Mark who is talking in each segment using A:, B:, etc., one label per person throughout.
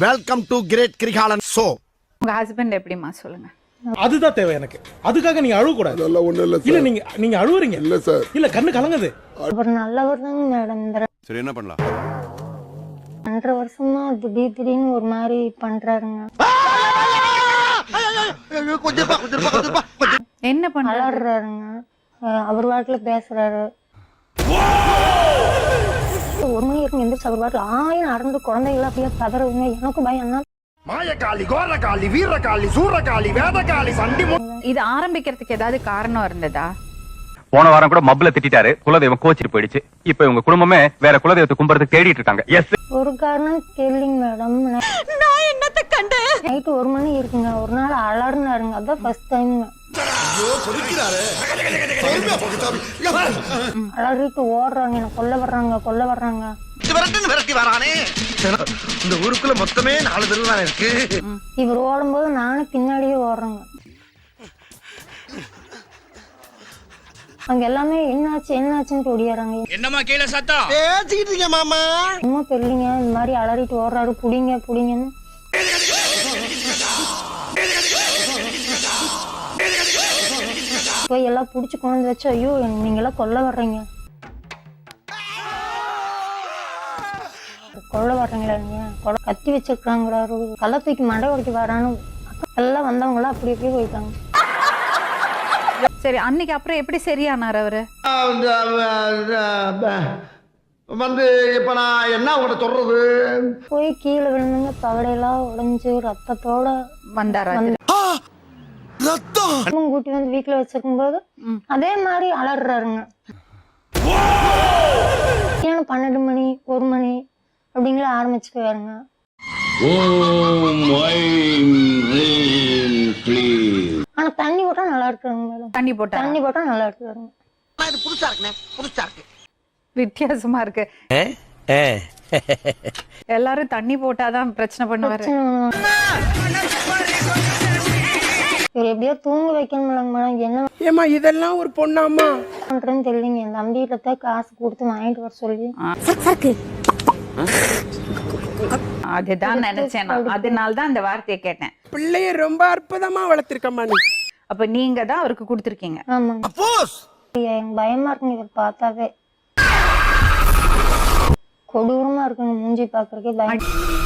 A: Welcome to great Kirikalan show.
B: உங்க husband எப்படிமா சொல்லுங்க.
C: அதுதான் தேவை எனக்கு. அதுக்காக நீங்க அழுவ கூடாது.
D: அதெல்லாம் ஒண்ணும் இல்ல
C: இல்ல
D: சார்.
C: நீங்க அழுவுறீங்க.
D: இல்ல சார்.
C: இல்ல கண்ணு கலங்குது.
E: அவர் நல்லவர் தாங்க மேடம்.
A: சரி என்ன பண்ணலாம்?
E: 2.5 வருஷமா திடீர்னு ஒரு மாதிரி பண்றாருங்க.
B: என்ன பண்ண
E: அலறாருங்க. அவர் வாட்டுல பேசுறாரு. 1 மணி வரைக்கும் எந்திரிச்சு அவர் வாட்டுல ஆயிரம் அறந்து குழந்தைகள் அப்படியே பதறவுங்க. எனக்கு பயம் என்ன,
A: மாயக்காளி, கோரக்காளி, வீரக்காளி, சூரக்காளி, வேதக்காளி, சண்டி.
B: இது ஆரம்பிக்கிறதுக்கு ஏதாவது காரணம் இருந்ததா?
F: போன வாரம் கூட மப்ல திட்டாரு, குலதெய்வம் கோச்சிட்டு போயிடுச்சு. இப்ப இவங்க குடும்பமே வேற குலதெய்வத்தை கும்பிடுறதுக்கு தேடிட்டு இருக்காங்க. எஸ்,
E: ஒரு காரணம் கேள்விங்க மேடம்.
B: நான் என்னத்தை கண்டேன்?
E: நைட்டு 1 மணி இருக்குங்க. ஒரு நாள் அலர்னாருங்க. அதான் ஃபர்ஸ்ட் டைம்ங்க. அலறிட்டு ஓடுறாங்க, என்ன கொல்ல வர்றாங்க.
A: இந்த ஊருக்குள்ள மொத்தமே 4 தெரு தான் இருக்கு.
E: இவர் ஓடும்போது நானும் பின்னாடியே ஓடுறேங்க. அங்க எல்லாமே என்னாச்சுன்னு ஒடியாறாங்க.
G: என்னமா கீழே சத்தம்
A: பேசிக்கிட்டு இருக்கீங்க மாமா.
E: சும்மா தெரியலங்க, இந்த மாதிரி அலறிட்டு ஓடுறாரு. புடிங்கன்னு போய் எல்லாம் புடிச்சு கொண்டு வச்சு, ஐயோ நீங்க எல்லாம் கொல்ல வர்றீங்களா நீங்க கத்தி வச்சிருக்காங்கிறாரு. கள்ள தூக்கி மண்டை உடைக்க வரான்னு எல்லாம் வந்தவங்களாம் அப்படி அப்படியே போயிட்டாங்க.
B: சரி, அன்னைக்கு அப்புறம் எப்படி சரியானார் அவரு?
A: வந்து இப்ப நான் என்ன உங்களை சொல்றது?
E: போய் கீழே விழுந்துங்க, பகடையெல்லாம் உடைஞ்சு ரத்தத்தோட
B: வந்தாரா?
E: கூட்டி வந்து வீட்டுல வச்சிருக்கும் போது அதே மாதிரி அலறாருங்க. 12 மணி 1 மணி அப்படிங்கிற ஆரம்பிச்சுக்குவாருங்க. ஆனா தண்ணி போட்டா நல்லா இருக்காங்க மேடம்.
B: தண்ணி போட்டா
E: நல்லா இருக்காருங்க.
A: புதுசா இருக்கு.
B: வித்தியாசமா இருக்கு. எல்லாரும் தண்ணி போட்டாதான் பிரச்சனை பண்ணுவாரு. இவர் எப்படியோ தூங்க வைக்கணும் மேடம். என்ன
H: ஏமா இதெல்லாம் ஒரு பொண்ணாமா
E: பண்றேன்னு தெரியலங்க. என் தம்பிகிட்ட காசு கொடுத்து வாங்கிட்டு வர சொல்லி.
B: அதுதான் நினைச்சேன் நான். அதனாலதான் அந்த வார்த்தையை கேட்டேன்.
H: பிள்ளைய ரொம்ப அற்புதமா வளர்த்திருக்கம்மா நீ.
B: அப்ப நீங்க தான் அவருக்கு கொடுத்துருக்கீங்க.
E: ஆமாங்க. எனக்கு பயமா இருக்குங்க இவர் பார்த்தாவே. கொடூரமா இருக்குங்க மூஞ்சி பாக்குறதுக்கே பயம்.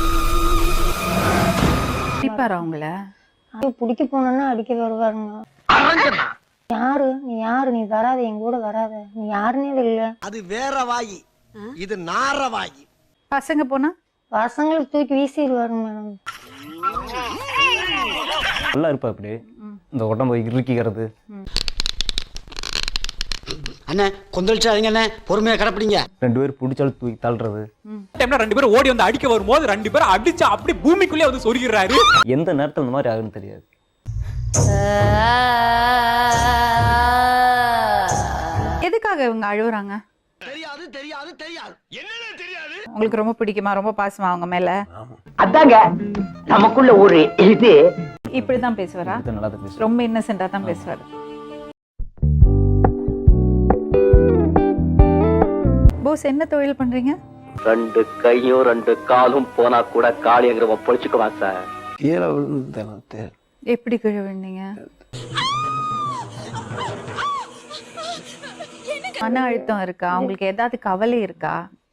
B: அடிப்பாரா அவங்கள?
E: பிடிக்க போனோன்னா அடிக்க வருவாருங்க. நீ வராத, எங்க கூட வராத, நீ யாருன்னே இல்ல.
A: அது வேற வாயி, இது நார வாயி.
B: பசங்க போனா
E: பசங்களுக்கு தூக்கி வீசிடுவாருங்க மேடம்.
I: நல்லா இருப்பா இப்படி இந்த உடம்பு இறுக்கிக்கிறது.
G: அண்ணே கொந்தளிச்சாதீங்க அண்ணே, பொறுமையா கடப்பிடிங்க.
I: 2 பேர் பிடிச்சாலும் தூக்கி தள்ளுறது.
C: 2 பேரும் ஓடி வந்து அடிக்க வரும்போது 2 பேரும் அடிச்சு அப்படி பூமிக்குள்ளே வந்து சொருகிறாரு.
I: எந்த நேரத்தில் இந்த மாதிரி ஆகுன்னு தெரியாது.
B: எதுக்காக இவங்க அழுவுறாங்க?
A: தெரியாது. என்னன்னு தெரியாது.
B: உங்களுக்கு ரொம்ப பிடிக்குமா, ரொம்ப பாசமா அவங்க மேல?
G: அதாங்க நமக்குள்ள ஒரு இது.
B: இப்படிதான் பேசுவாரா?
I: நல்லா தான் பேசுறேன்.
B: ரொம்ப இன்னசென்ட்டா தான் பேசுவாரு. போஸ், என்ன தொழில் பண்றீங்க?
F: 2 கையும் 2 காலும் போனா கூட காளியங்கிறவன் பொழிச்சுக்குவான் சார்.
I: கீழே விழுந்து
B: எப்படி கீழே விழுந்தீங்க? மன அழுத்தம் இருக்கா? உங்களுக்கு ஏதாவது கவலை இருக்கா?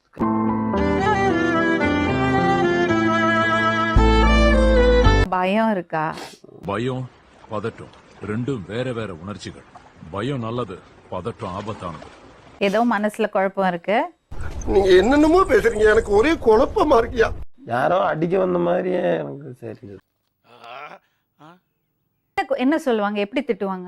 B: பயம் இருக்கா?
J: பயம் பதட்டம் ரெண்டும் வேற உணர்ச்சிகள். பயம் நல்லது, பதட்டம் ஆபத்தானது.
B: ஏதோ மனசுல குழப்பம் இருக்கு.
D: நீங்க என்னென்னமோ பேசுறீங்க, எனக்கு ஒரே குழப்பமா இருக்கியா.
I: யாரோ அடிக்க வந்த மாதிரியே எனக்கு சரி.
B: என்ன சொல்லுவாங்க, எப்படி திட்டுவாங்க?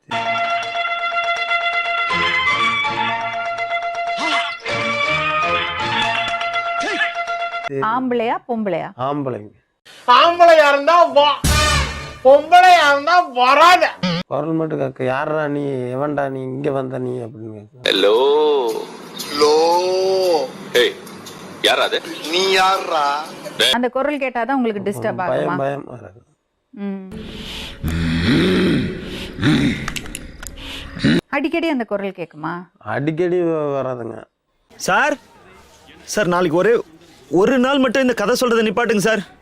B: ஆம்பளையா பொம்பளையா?
I: ஆம்பளைங்க.
H: ஆம்பளையா இருந்தா வா, பொம்பளையா இருந்தா வராத.
I: குரல் மட்டும் கேட்க, யாரா நீ, எவன்டா நீ, இங்க வந்த நீ அப்படின்னு கேட்க.
F: ஹலோ ஏய் யாரா அது?
A: நீ யாரா?
B: அந்த குரல் கேட்டாதான் உங்களுக்கு டிஸ்டர்ப் ஆகுமா?
I: பயம் வராது.
B: அடிக்கடி அந்த குரல் கேக்குமா?
I: அடிக்கடி வராதுங்க.
K: சார் நாளைக்கு ஒரு நாள் மட்டும் இந்த கதை சொல்றதை நிப்பாட்டுங்க சார்.